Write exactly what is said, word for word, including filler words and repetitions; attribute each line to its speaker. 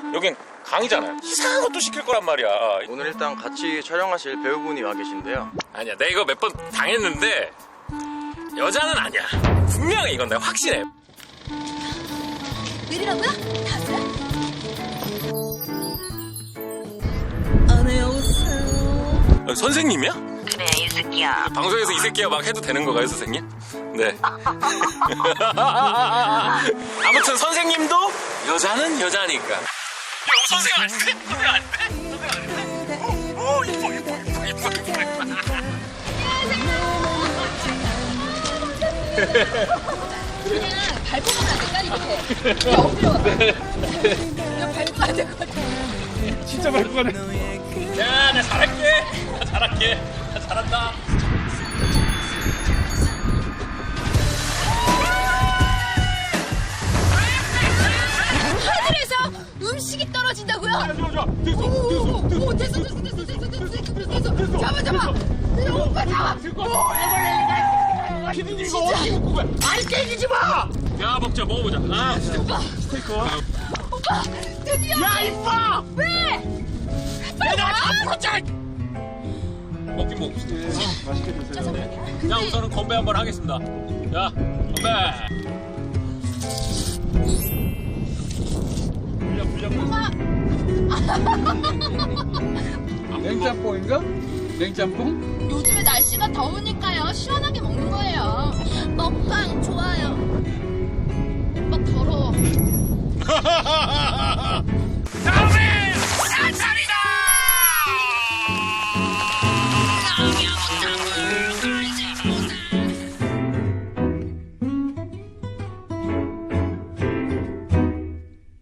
Speaker 1: 여긴 강이잖아요. 이상한 것도 시킬 거란 말이야.
Speaker 2: 오늘 일단 같이 촬영하실 배우분이 와 계신데요.
Speaker 1: 아니야, 내가 이거 몇 번 당했는데 여자는 아니야. 분명히 이건 내가 확신해.
Speaker 3: 내리라고요? 다스요? 안에 오세요.
Speaker 1: 아, 선생님이야?
Speaker 4: 그래 이 새끼야.
Speaker 1: 방송에서 이 새끼야 막 해도 되는 거가요, 선생님? 네. 아무튼 선생님도 여자는 여자니까. 야, 선생님 안 돼? 선생님 안 돼? 선생님 안 돼? 오, 오, 이뻐, 이뻐, 이뻐, 이뻐, 이뻐.
Speaker 3: 그냥 밟고 가면 안 될까 이렇게. 야 엎드려. 그냥 밟고 가야 될 것 같아.
Speaker 1: 진짜 밟고 가네. 야, 나 잘할게. 나 잘할게. 나 잘한다.
Speaker 3: 하늘에서 음식이 떨어진다고요?
Speaker 1: 좋아, 좋아. 됐어,
Speaker 3: 오, 오, 됐어, 됐어, 됐어, 됐어, 됐어, 됐어, 됐어. 잡아, 잡아. 오빠 잡아.
Speaker 1: 피디님 이거 어떻게 먹고 가? 아이 깨지지 마! 야, 먹자, 먹어보자. 아,
Speaker 3: 오빠,
Speaker 1: 스테이크.
Speaker 3: 오빠, 드디어.
Speaker 1: 야, 이뻐!
Speaker 3: 왜?
Speaker 1: 야, 나 잡았잖아! 먹긴 먹읍시다.
Speaker 2: 맛있게 드세요.
Speaker 1: 자, 우선은 건배 한번 하겠습니다. 자, 건배! 불려, 불려.
Speaker 5: 냉짬뽕인가? 냉짬뽕?
Speaker 3: 요즘에 날씨가 더우니까요. 시원하게 먹는 거예요. 먹방 좋아요. 오빠 더러워.